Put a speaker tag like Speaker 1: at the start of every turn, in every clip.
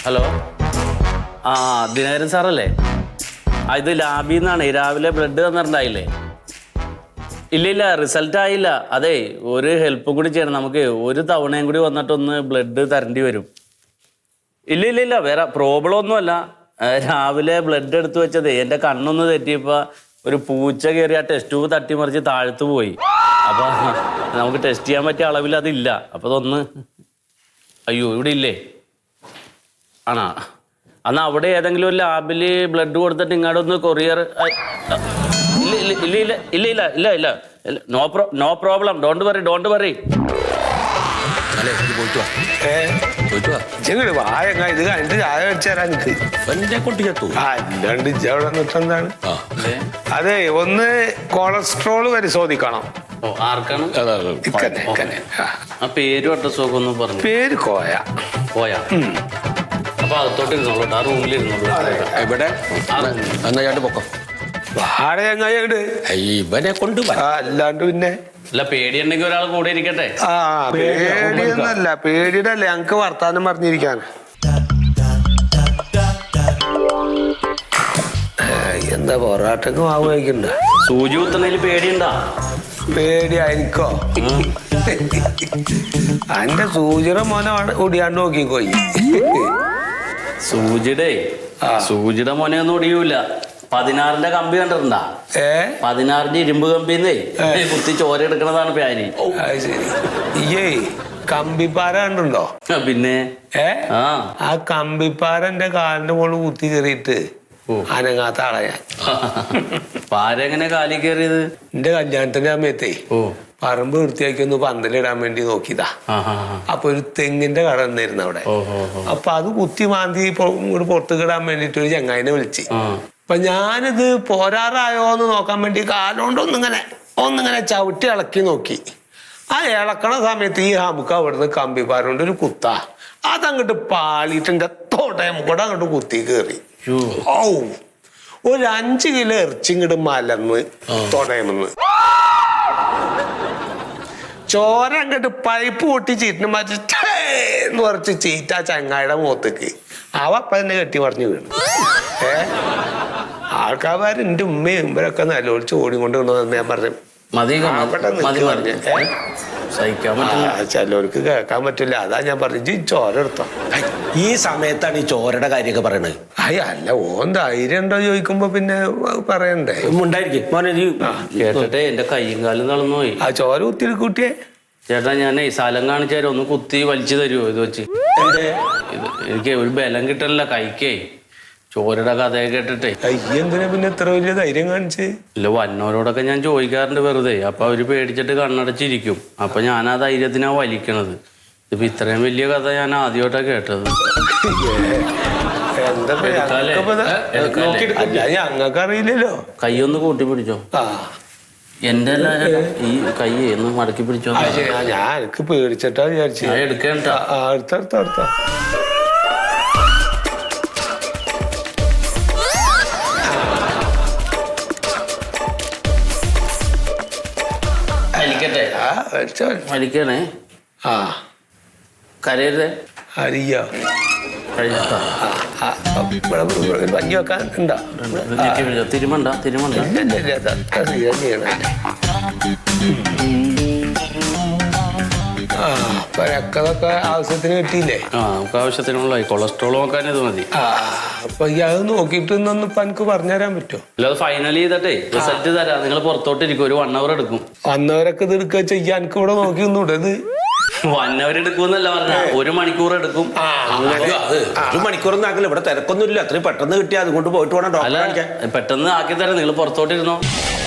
Speaker 1: Hello ആ ദിനകരൻ സാറല്ലേ? ഇത് ലാബിൽ നിന്നാണ്. രാവിലെ ബ്ലഡ് തന്നിട്ടുണ്ടായില്ലേ? ഇല്ല റിസൾട്ട് ആയില്ല. അതെ, ഒരു ഹെൽപ്പും കൂടി ചെയ്യണം. നമുക്ക് ഒരു തവണയും കൂടി വന്നിട്ടൊന്ന് ബ്ലഡ് തരേണ്ടി വരും. ഇല്ല വേറെ പ്രോബ്ലം ഒന്നുമല്ല. രാവിലെ ബ്ലഡ് എടുത്ത് വെച്ചതേ എൻ്റെ കണ്ണൊന്ന് തെറ്റിയപ്പോൾ ഒരു പൂച്ച കയറി ആ ടെസ്റ്റ് ട്യൂബ് തട്ടിമറിച്ച് താഴ്ത്തു പോയി. അപ്പം നമുക്ക് ടെസ്റ്റ് ചെയ്യാൻ പറ്റിയ അളവിൽ അതില്ല. അപ്പോൾ അതൊന്ന് അയ്യോ ഇവിടെ ഇല്ലേ? ആണോ? എന്നാൽ അവിടെ ഏതെങ്കിലും ഒരു ലാബിൽ ബ്ലഡ് കൊടുത്തിട്ട് ഇങ്ങോട്ട് ഒന്ന് കൊറിയർ. ഇല്ല നോ പ്രോബ്ലം. Don't worry.
Speaker 2: ഇത് കണ്ടിട്ട് ചായ വെച്ചാൽ എന്താണ്? അതെ, ഒന്ന് കൊളസ്ട്രോൾ പരിശോധിക്കണം.
Speaker 1: ആർക്കാണ്? ആ പേരും അഡ്രസ്സും ഒന്ന് പറഞ്ഞു.
Speaker 2: പേര് കോയ.
Speaker 1: അപ്പൊ അകത്തോട്ട് ഇരുന്നോളൂ. ആ റൂമിലിരുന്നോളൂ.
Speaker 3: ഇവിടെ എന്നാ പൊക്കം
Speaker 2: വാടക എങ്ങായിട്ട്
Speaker 3: ഇവനെ കൊണ്ട്
Speaker 2: അല്ലാണ്ട് പിന്നെ
Speaker 1: അല്ല, പേടിയുണ്ടെങ്കിൽ ഒരാൾ കൂടെ ഇരിക്കട്ടെ.
Speaker 2: ആ പേടിയൊന്നല്ല, പേടിയുടെ അല്ലേ ഞങ്ങക്ക് വർത്താനം പറഞ്ഞിരിക്കാൻ. എന്താ പൊറാട്ടക്ക് മാവ് കഴിക്കണ്ട?
Speaker 1: സൂചി കുത്തുന്നതിൽ പേടിയുണ്ടാ?
Speaker 2: പേടിയായിരിക്കോ? അന്റെ സൂചിയുടെ മോനെ ഒടിയാണ്ട് നോക്കിക്കോയി.
Speaker 1: സൂചിയുടെ മോനെ ഒന്നും ഒടിയൂല. 16ന്റെ കമ്പി കണ്ടിട്ടുണ്ടാ? 16ന്റെ ഇരുമ്പ് കമ്പിന്നേ കുത്തി ചോര എടുക്കണതാണ് പ്യാനി.
Speaker 2: ശരി. കമ്പിപ്പാര കണ്ടുണ്ടോ?
Speaker 1: പിന്നെ
Speaker 2: ആ കമ്പിപ്പാര എന്റെ കാലിന്റെ മുകളിൽ കുത്തി കയറിയിട്ട് അനങ്ങാത്ത ആളാ ഞാൻ.
Speaker 1: പാരെങ്ങനെ കാലി കയറിയത്?
Speaker 2: എന്റെ കല്യാണത്തിന്റെ സമയത്തേ പറമ്പ് വൃത്തിയാക്കി ഒന്ന് പന്തലിടാൻ വേണ്ടി നോക്കിയതാ. അപ്പൊ ഒരു തെങ്ങിന്റെ കട നിന്നിരുന്നു അവിടെ. അപ്പൊ അത് കുത്തി മാന്തി ഇങ്ങോട്ട് പുറത്തേക്ക് ഇടാൻ വേണ്ടിട്ട് ഒരു ചങ്ങായിനെ വിളിച്ച്. അപ്പൊ ഞാനിത് പോരാറായോ എന്ന് നോക്കാൻ വേണ്ടി കാലോണ്ട് ഒന്നിങ്ങനെ ചവിട്ടി ഇളക്കി നോക്കി. ആ ഇളക്കണ സമയത്ത് ഈ നമുക്ക് അവിടുന്ന് കമ്പിപ്പാരോണ്ട് ഒരു കുത്താ അതങ്ങോട്ട് പാളിയിട്ട് എന്റെ തോട്ടയം കൂടെ അങ്ങോട്ട് കുത്തി കയറി. ഒരു 5 കിലോ ഇറച്ചിങ്ങോട്ട് മലന്ന് തൊടയമെന്ന് ചോര അങ്ങോട്ട് പൈപ്പ് പൊട്ടി ചീറ്റിന് മാറ്റിന്ന് കുറച്ച് ചീറ്റ ചങ്ങായിയുടെ മുഖത്തേക്ക് അവപ്പ തന്നെ കെട്ടി മറിഞ്ഞു വീണു. ആൾക്കാർ എന്റെ ഉമ്മയും ഇവരൊക്കെ നല്ലോളിച്ച് ഓടിക്കൊണ്ട് കൊണ്ടുവന്ന് ഞാൻ പറഞ്ഞു. ചിലവർക്ക് കേൾക്കാൻ പറ്റില്ല. അതാ ഞാൻ പറഞ്ഞു ചോര എടുത്തോ.
Speaker 3: ഈ സമയത്താണ് ഈ ചോരയുടെ കാര്യമൊക്കെ പറയണത്.
Speaker 2: അല്ല ഓൻ ധൈര്യം ഉണ്ടോ ചോദിക്കുമ്പോ പിന്നെ പറയണ്ടേ?
Speaker 1: കേട്ടെ, എന്റെ കയ്യും കാലും തളർന്നു പോയി.
Speaker 2: ആ ചോര കുത്തി കുട്ടിയെ
Speaker 1: ചേട്ടാ, ഞാനേ സ്ഥലം കാണിച്ചാലും ഒന്ന് കുത്തി വലിച്ചു തരുമോ? ഇത് വെച്ച് എനിക്ക് ഒരു ബലം കിട്ടണില്ല കൈക്കേ. ചോരയുടെ കഥയൊക്കെ കേട്ടിട്ടേ.
Speaker 2: എന്തിനാ പിന്നെ എത്ര വലിയ ധൈര്യം കാണിച്ച്?
Speaker 1: ഇല്ല, വന്നവരോടൊക്കെ ഞാൻ ചോദിക്കാറുണ്ട് വെറുതെ. അപ്പൊ അവര് പേടിച്ചിട്ട് കണ്ണടച്ചിരിക്കും. അപ്പൊ ഞാൻ ആ ധൈര്യത്തിനാ വലിക്കണത്. ഇപ്പൊ ഇത്രയും വലിയ കഥ ഞാൻ ആദ്യമായിട്ടാ കേട്ടത്.
Speaker 2: ഞങ്ങൾക്ക് അറിയില്ലല്ലോ.
Speaker 1: കൈയൊന്ന് കൂട്ടി പിടിച്ചോ. എന്റെ ഈ കൈ ഒന്ന് മടക്കി പിടിച്ചോ.
Speaker 2: ഞാൻ എനിക്ക് പേടിച്ചിട്ടാ വിചാരിച്ചു.
Speaker 1: എടുക്കേണ്ട.
Speaker 2: അടുത്ത
Speaker 1: വലിക്കണേ. കരയരുതേ.
Speaker 2: അറിയോ പഞ്ഞി വെക്കാൻ ഉണ്ടോ?
Speaker 1: തിരുമണ്ട.
Speaker 2: രക്തമൊക്കെ ആവശ്യത്തിന് കിട്ടിയില്ലേ?
Speaker 1: നമുക്ക് ആവശ്യത്തിനുള്ള കൊളസ്ട്രോൾ നോക്കാൻ ഇത് മതി.
Speaker 2: അപ്പൊ അത് നോക്കിയിട്ട് ഇപ്പൊ എനിക്ക് പറഞ്ഞുതരാൻ പറ്റുമോ?
Speaker 1: അല്ല, അത് ഫൈനൽ ചെയ്തിട്ടേ റിസൾട്ട് തരാം. നിങ്ങൾ പുറത്തോട്ട് ഇരിക്കും. ഒരു 1 hour എടുക്കും.
Speaker 2: 1 hour ഇത് എടുക്കുക ചെയ്യാൻ എനിക്ക് ഇവിടെ നോക്കി ഒന്നൂടെ? ഇത്
Speaker 1: 1 hour എടുക്കുമെന്നല്ല പറഞ്ഞ, 1 മണിക്കൂർ എടുക്കും.
Speaker 3: 1 മണിക്കൂറൊന്നും ആക്കില്ല. ഇവിടെ തിരക്കൊന്നുമില്ല. അത്രയും പെട്ടെന്ന് കിട്ടിയാൽ അതുകൊണ്ട് പോയിട്ട് വേണം ഡോക്ടറെ കാണിക്കാൻ.
Speaker 1: പെട്ടെന്ന് ആക്കി തരാം. നിങ്ങൾ പുറത്തോട്ടിരുന്നോ.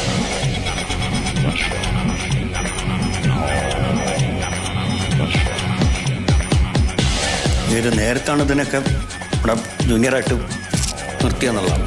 Speaker 4: ഇത് നേരത്താണ് ഇതിനൊക്കെ ഇവിടെ ജൂനിയറായിട്ട് നിർത്തിയെന്നുള്ളതാണ്.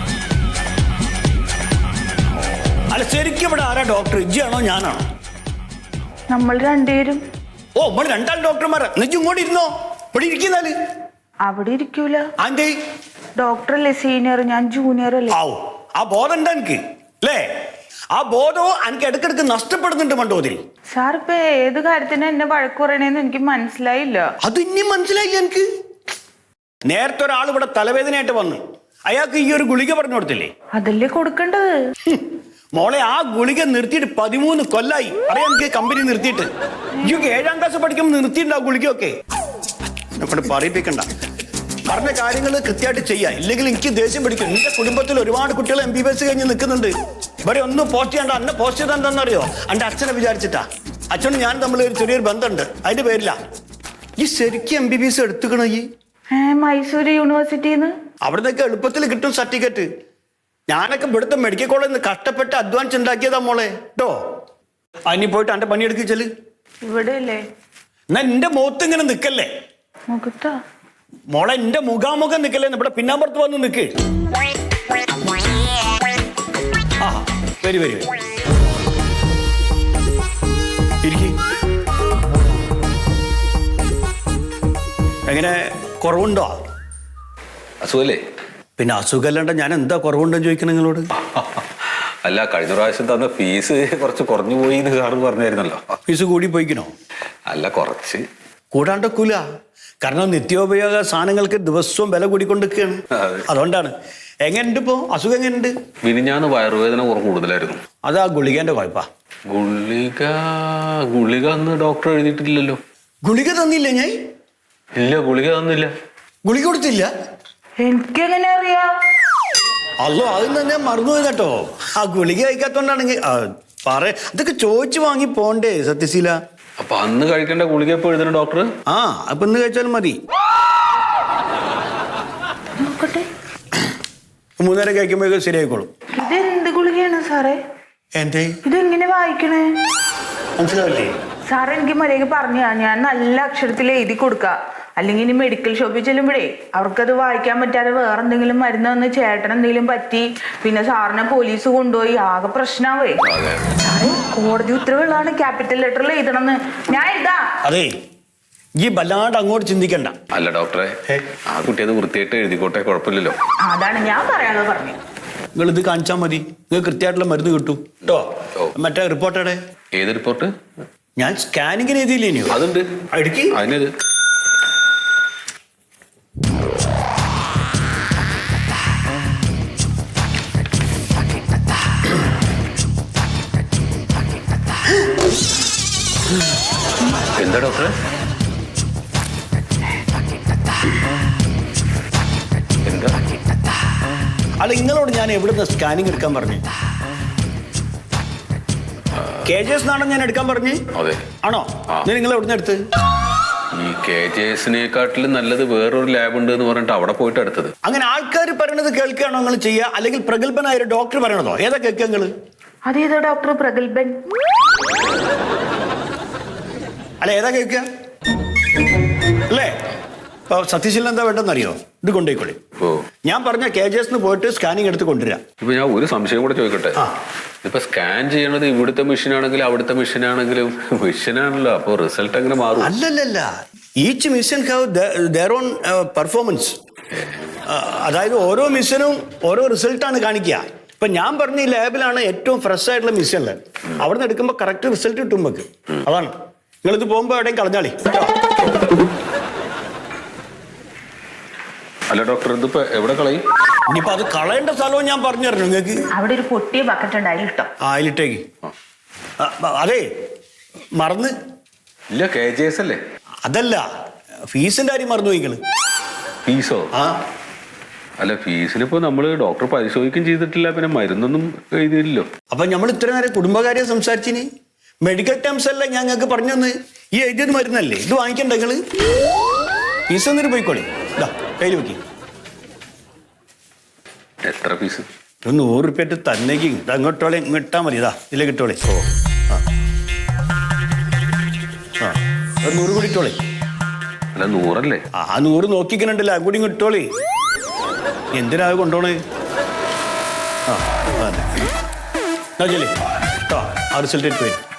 Speaker 4: അല്ല, ശരിക്കും ഇവിടെ ആരാ ഡോക്ടർ? ഇജ്ജിയാണോ ഞാനാണോ?
Speaker 5: നമ്മൾ രണ്ടുപേരും.
Speaker 4: നമ്മൾ 2 ഡോക്ടർമാരാ. നിജ് ഇങ്ങോട്ട് ഇരുന്നോ. ഇവിടെ ഇരിക്കുന്നാല്
Speaker 5: അവിടെ ഇരിക്കൂല.
Speaker 4: ആന്റി
Speaker 5: ഡോക്ടർ അല്ലേ സീനിയർ, ഞാൻ ജൂനിയർ അല്ലേ.
Speaker 4: ആ ബോധം ഉണ്ട് എനിക്ക് അല്ലേ? ആ ബോധവും എനിക്ക് ഇടക്കിടക്ക് നഷ്ടപ്പെടുന്നുണ്ട് മണ്ടോതിരി.
Speaker 5: സാർ ഇപ്പൊ ഏത് കാര്യത്തിന് എന്നെ വഴക്ക് പറയണേന്ന് എനിക്ക് മനസ്സിലായില്ല.
Speaker 4: അത് ഇനി മനസ്സിലായില്ല എനിക്ക്. നേരത്തെ ഒരാൾ ഇവിടെ തലവേദനയായിട്ട് വന്നു, അയാൾക്ക് ഈ ഒരു ഗുളിക പറഞ്ഞു കൊടുത്തില്ലേ?
Speaker 5: അതല്ലേ കൊടുക്കേണ്ടത്.
Speaker 4: മോളെ, ആ ഗുളിക നിർത്തിയിട്ട് 13 കൊല്ലായി. അറിയാം എനിക്ക് കമ്പനി നിർത്തിയിട്ട്. ഈ 7ാം ക്ലാസ് പഠിക്കുമ്പോൾ നിർത്തിയിട്ടുണ്ടാവും ഗുളികയൊക്കെ. ഇവിടെ പറയിപ്പിക്കണ്ട, പറഞ്ഞ കാര്യങ്ങൾ കൃത്യമായിട്ട് ചെയ്യാം, ഇല്ലെങ്കിൽ എനിക്ക് ദേഷ്യം പിടിക്കും. എന്റെ കുടുംബത്തിൽ ഒരുപാട് കുട്ടികൾ MBBS കഴിഞ്ഞ് നിൽക്കുന്നുണ്ട്. ഇവിടെ ഒന്നും പോസ്റ്റ് ചെയ്യണ്ട. അന്നെ പോസ്റ്റ് ചെയ്താൽ എന്താണെന്നറിയോ? എന്റെ അച്ഛനെ വിചാരിച്ചിട്ടാ. അച്ഛനും ഞാൻ തമ്മിൽ ഒരു ചെറിയൊരു ബന്ധമുണ്ട്, അതിന്റെ പേരില്ല. ഈ ശരിക്കും MBBS എടുത്തുക്കണ ഈ
Speaker 5: മൈസൂര് യൂണിവേഴ്സിറ്റിന്ന്
Speaker 4: അവിടുന്നൊക്കെ എളുപ്പത്തിൽ കിട്ടും സർട്ടിഫിക്കറ്റ്. ഞാനൊക്കെ ഇവിടുത്തെ മെഡിക്കൽ കോളേജിൽ നിന്ന് കഷ്ടപ്പെട്ട് അഡ്വാൻസ് ഉണ്ടാക്കിയതാ മോളെ കേട്ടോ. അതിന് പോയിട്ട് എന്റെ പണിയെടുക്കിച്ചല്.
Speaker 5: ഇവിടെ അല്ലേ?
Speaker 4: എന്നാ എന്റെ മുഖത്ത് ഇങ്ങനെ നിക്കല്ലേ
Speaker 5: മുഖത്താ
Speaker 4: മോളെ, എന്റെ മുഖാമുഖം നിക്കല്ലേ, ഇവിടെ പിന്നാമ്പുറത്ത് വന്ന് നിക്ക്. ആ വരി വരി ഇരിക്ക്. എങ്ങനെ, കുറവുണ്ടോ?
Speaker 6: അസുഖല്ലേ?
Speaker 4: പിന്നെ അസുഖമല്ലാണ്ട് ഞാൻ എന്താ കുറവുണ്ടെന്ന് ചോദിക്കണം നിങ്ങളോട്?
Speaker 6: അല്ല, കഴിഞ്ഞ പ്രാവശ്യം തന്ന ഫീസ് കുറച്ച് കുറഞ്ഞു പോയി എന്ന് സാറ് പറഞ്ഞായിരുന്നല്ലോ.
Speaker 4: ഫീസ് കൂടി പോയിക്കണോ?
Speaker 6: അല്ല, കുറച്ച്
Speaker 4: കൂടാണ്ടൊക്കൂല. കാരണം നിത്യോപയോഗ സാധനങ്ങൾക്ക് ദിവസവും വില കൂടിക്കൊണ്ടിരിക്കുകയാണ്.
Speaker 6: അതെ.
Speaker 4: അതുകൊണ്ടാണ്. എങ്ങനെയുണ്ട് ഇപ്പോ അസുഖം? എങ്ങനെയുണ്ട്?
Speaker 6: മിനിഞ്ഞാന്ന് വയറുവേദന കുറവ് കൂടുതലായിരുന്നു.
Speaker 4: അതാ ഗുളികേന്റെ കുഴപ്പാ.
Speaker 6: ഗുളിക അന്ന് ഡോക്ടർ എഴുതിയിട്ടില്ലല്ലോ.
Speaker 4: ഗുളിക തന്നില്ല ഞാൻ?
Speaker 6: ഇല്ല, ഗുളിക തന്നില്ല.
Speaker 4: ഗുളിക കൊടുത്തില്ല?
Speaker 5: എനിക്കെങ്ങനെ അറിയാം?
Speaker 4: അല്ലോ, അത് തന്നെ മറന്നുപോയി കേട്ടോ. ആ ഗുളിക കഴിക്കാത്തോണ്ടാണെങ്കിൽ അതൊക്കെ ചോദിച്ചു വാങ്ങി പോണ്ടേ സത്യശീല?
Speaker 6: അപ്പൊ അന്ന് കഴിക്കേണ്ട ഗുളിക ഇപ്പൊ എഴുതുന്ന ഡോക്ടർ?
Speaker 4: ആ, അപ്പൊ ഇന്ന് കഴിച്ചാലും മതി.
Speaker 5: നോക്കട്ടെ.
Speaker 4: 3 നേരം കഴിക്കുമ്പോഴേക്കും ശരിയായിക്കോളും.
Speaker 5: ഇതെന്ത് ഗുളികയാണ് സാറേ?
Speaker 4: എന്തേ
Speaker 5: ഇതെങ്ങനെ വായിക്കണേ?
Speaker 4: മനസ്സിലാവില്ലേ?
Speaker 5: സാർ എനിക്ക് മര്യാദയ്ക്ക് പറഞ്ഞു ഞാൻ നല്ല അക്ഷരത്തിൽ എഴുതി കൊടുക്കാം. അല്ലെങ്കിൽ ഇനി മെഡിക്കൽ ഷോപ്പിൽ ചെല്ലുമ്പോഴേ അവർക്കത് വായിക്കാൻ പറ്റാതെ വേറെ എന്തെങ്കിലും മരുന്ന് വന്ന് ചേട്ടൻ എന്തെങ്കിലും പറ്റി പിന്നെ സാറിനെ പോലീസ് കൊണ്ടുപോയി ആകെ പ്രശ്നമാവേ. സാറേ, കോടതി ഉത്തരവുകളാണ് ക്യാപിറ്റൽ ലെറ്ററിൽ എഴുതണമെന്ന്. ഞാൻ എഴുതാ.
Speaker 4: അതെ, ഈ വല്ലാണ്ട് അങ്ങോട്ട് ചിന്തിക്കണ്ട.
Speaker 6: അല്ല ഡോക്ടറെ, ആ കുട്ടി അത് വൃത്തിയായിട്ട് എഴുതിക്കോട്ടെ, കുഴപ്പമില്ലല്ലോ.
Speaker 5: അതാണ് ഞാൻ പറയാനുള്ളത് പറഞ്ഞു.
Speaker 4: നിങ്ങൾ ഇത് കാണിച്ചാൽ മതി, നിങ്ങൾക്ക് കൃത്യമായിട്ടുള്ള മരുന്ന് കിട്ടും കേട്ടോ. മറ്റേ റിപ്പോർട്ടടെ
Speaker 6: ഏത് റിപ്പോർട്ട്?
Speaker 4: ഞാൻ സ്കാനിങ്ങിന് എഴുതിയില്ലേ? ഇനിയോ
Speaker 6: അതുണ്ട്,
Speaker 4: അടുക്കി
Speaker 6: അതിനത്. എന്താ ഡോക്ടറെ? എന്താ?
Speaker 4: അല്ല, നിങ്ങളോട് ഞാൻ എവിടുന്ന് സ്കാനിങ് എടുക്കാൻ പറഞ്ഞു? KJS എന്നാണോ ഞാൻ എടുക്കാൻ പറഞ്ഞു?
Speaker 6: അതെ.
Speaker 4: ആണോ? നിങ്ങൾ എവിടുന്ന് എടുത്ത്?
Speaker 6: ഈ KJSനെക്കാട്ടിലും നല്ലത് വേറൊരു ലാബ് ഉണ്ട് എന്ന് പറഞ്ഞിട്ട് അവിടെ പോയിട്ട് എടുത്തത്.
Speaker 4: അങ്ങനെ ആൾക്കാർ പറയണത് കേൾക്കുകയാണോ നിങ്ങൾ ചെയ്യുക, അല്ലെങ്കിൽ പ്രഗത്ഭനായ ഒരു ഡോക്ടർ പറയണതോ? ഏതാ കേൾക്കുക നിങ്ങൾ?
Speaker 5: അതേതോ ഡോക്ടർ പ്രഗത്ഭൻ?
Speaker 4: അല്ല, ഏതാ കേൾക്കുക അല്ലേ? ഇപ്പൊ സത്യശീലൻ എന്താ വേണ്ടെന്നറിയോ? ഇത് കൊണ്ടുപോയിക്കോളി.
Speaker 6: ഓ,
Speaker 4: ഞാൻ പറഞ്ഞ KJS പോയിട്ട് സ്കാനിങ് എടുത്ത് കൊണ്ടുവരാം.
Speaker 6: ഇപ്പൊ ഞാൻ ഒരു സംശയം കൂടെ ചോദിക്കട്ടെ. ഇപ്പൊ സ്കാൻ ചെയ്യണത് ഇവിടുത്തെ മെഷീനാണെങ്കിലും അവിടുത്തെ മെഷീനാണെങ്കിലും മെഷീനാണല്ലോ, അപ്പൊ റിസൾട്ട് എങ്ങനെ മാറും?
Speaker 4: അല്ലല്ല, each mission have their own performance. അതായത് ഓരോ മിഷനും ഓരോ റിസൾട്ടാണ് കാണിക്കുക. ഇപ്പൊ ഞാൻ പറഞ്ഞ ഈ ലാബിലാണ് ഏറ്റവും ഫ്രഷ് ആയിട്ടുള്ള മിഷനുള്ളത്. അവിടെ നിന്ന് എടുക്കുമ്പോൾ കറക്റ്റ് റിസൾട്ട് കിട്ടും നമുക്ക്. അതാണ്. നിങ്ങളിത് പോകുമ്പോ എവിടെയും കളഞ്ഞാളി.
Speaker 6: അല്ല ഡോക്ടർ, ഇതിപ്പോ എവിടെ കളയും?
Speaker 4: ഇനിയിപ്പോ അത് കളയേണ്ട സ്ഥലവും ഞാൻ പറഞ്ഞു തരണം നിങ്ങൾക്ക്.
Speaker 5: അവിടെ ഒരു പൊട്ടിയ ബക്കറ്റ് ഉണ്ട്, അതിലിട്ടോ.
Speaker 4: അതിലിട്ടേക്ക്. അതെ, മറന്ന്.
Speaker 6: ഇല്ല, KJS അല്ലേ?
Speaker 4: അതല്ല, ഫീസിന്റെ കാര്യം മറന്നു പോയിക്കള്.
Speaker 6: ഫീസോ?
Speaker 4: ആ,
Speaker 6: അല്ല, ഫീസിനിപ്പോ നമ്മള് ഡോക്ടർ പരിശോധിക്കുകയും ചെയ്തിട്ടില്ല, പിന്നെ മരുന്നൊന്നും എഴുതിയില്ലല്ലോ.
Speaker 4: അപ്പൊ നമ്മൾ ഇത്ര നേരം കുടുംബകാര്യം സംസാരിച്ചിന്. മെഡിക്കൽ ടേംസ് അല്ല ഞങ്ങൾക്ക് പറഞ്ഞു തന്ന്. ഈ എഴുതിയത് മരുന്നല്ലേ, ഇത് വാങ്ങിക്കണ്ട നിങ്ങള്. ഫീസ് എന്നിട്ട് പോയിക്കോളി. ഇതാ കയ്യിൽ വെക്കി.
Speaker 6: എത്ര ഫീസ്?
Speaker 4: 100 റുപ്യ തന്നേക്ക്. ഇത് അങ്ങോട്ടോളെ ഇട്ടാ മതി. ഇതാ ഇതിലെ കിട്ടോളെ. ഓ, ആ 100 കൂടി ഇട്ടോളെ.
Speaker 6: അല്ല, 100 അല്ലേ?
Speaker 4: ആ 100 നോക്കിക്കണുണ്ടല്ലോ, ആ കൂടി ഇട്ടോളെ. എന്തിനാ കൊണ്ടോണേ? ആ അതെ, കേട്ടോ. ആ റിസൾട്ട് ഇട്ട് വരും.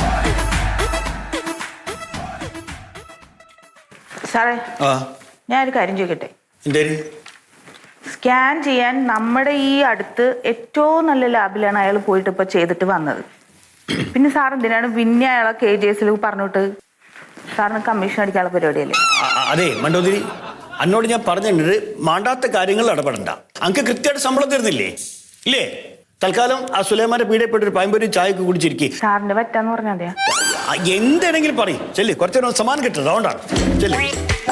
Speaker 5: സാറേ,
Speaker 4: ആ,
Speaker 5: ഞാനൊരു കാര്യം ചോദിക്കട്ടെ?
Speaker 4: എന്തേലും
Speaker 5: സ്കാൻ ചെയ്യാൻ നമ്മുടെ ഈ അടുത്ത് ഏറ്റവും നല്ല ലാബിലാണ് അയാൾ പോയിട്ട് ഇപ്പൊ ചെയ്തിട്ട് വന്നത്. പിന്നെ സാർ എന്തിനാണ് പിന്നെ അയാളെ KJS പറഞ്ഞിട്ട്? സാറിന് കമ്മീഷൻ അടിക്കാനുള്ള പരിപാടിയല്ലേ?
Speaker 4: അതെ മണ്ടോതിരി, എന്നോട് ഞാൻ പറഞ്ഞിട്ടുണ്ട് മാണ്ടാത്ത കാര്യങ്ങൾ ഇടപെടണ്ട. അങ്ങക്ക് കൃത്യമായിട്ട് ശമ്പളം തരുന്നില്ലേ? ഇല്ലേ? തൽക്കാലം ആ സുലൈമാന്റെ പീഡയപ്പെട്ടൊരു പയമ്പൊരി ചായക്ക് കുടിച്ചിരിക്കും.
Speaker 5: സാറിന് പറ്റാന്ന് പറഞ്ഞാൽ മതിയാ.
Speaker 4: എന്തെങ്കിലും പറയും ചെല്ലി, കുറച്ചേരം സമാനം കിട്ടുന്നത് അതുകൊണ്ടാണ്. ചെല്ലി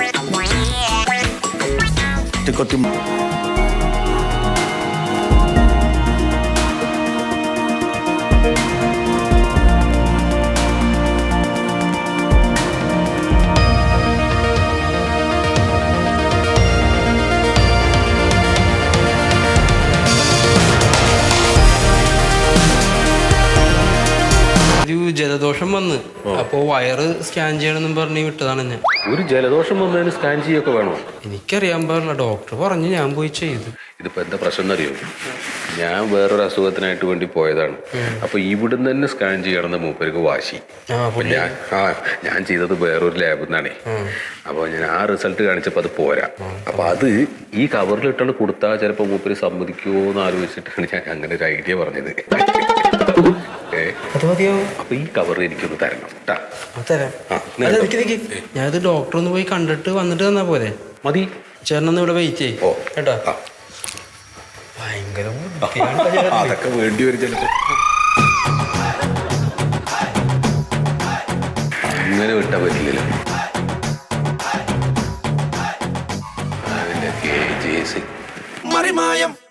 Speaker 4: കൊത്തി
Speaker 7: ജലദോഷം വന്ന് അപ്പോ വയറ് സ്കാൻ ചെയ്യണമെന്നും പറഞ്ഞ് വിട്ടതാണ് ഞാൻ.
Speaker 6: ഒരു ജലദോഷം വന്നതിന് സ്കാൻ ചെയ്യൊക്കെ വേണോ?
Speaker 7: എനിക്കറിയാൻ പാടില്ല, ഡോക്ടർ പറഞ്ഞു, ഞാൻ പോയി ചെയ്തു.
Speaker 6: ഇതിപ്പോ എന്താ പ്രശ്നം എന്നറിയോ? ഞാൻ വേറൊരു അസുഖത്തിനായിട്ട് വേണ്ടി പോയതാണ്. അപ്പൊ ഇവിടുന്ന് തന്നെ സ്കാൻ ചെയ്യണമെന്ന് മൂപ്പർക്ക് വാശി. അപ്പൊ ഞാൻ ചെയ്തത് വേറൊരു ലാബിൽ നിന്നാണേ. അപ്പൊ ഞാൻ ആ റിസൾട്ട് കാണിച്ചപ്പോ അത് പോരാ. അപ്പൊ അത് ഈ കവറിലിട്ടാണ് കൊടുത്താൽ ചിലപ്പോ മൂപ്പര് സമ്മതിക്കുമോ എന്ന് ആലോചിച്ചിട്ടാണ് ഞാൻ അങ്ങനെ ഒരു ഐഡിയ പറഞ്ഞത്.
Speaker 7: അത് മതിയോ?
Speaker 6: അപ്പൊ ഈ കവർ എനിക്കൊന്ന് തരണം കേട്ടാ.
Speaker 7: തരാം. ഞാനത് ഡോക്ടർ ഒന്ന് പോയി കണ്ടിട്ട് വന്നിട്ട് തന്നാ പോരെ?
Speaker 6: മതി.
Speaker 7: ചേട്ടനൊന്ന് ഇവിടെ വെയിറ്റ് ചെയ്യും കേട്ടോ. ഭയങ്കര
Speaker 6: അതൊക്കെ വേണ്ടി വരും ചിലപ്പോ. ഇങ്ങനെ വിട്ടാ പറ്റില്ലല്ലോ.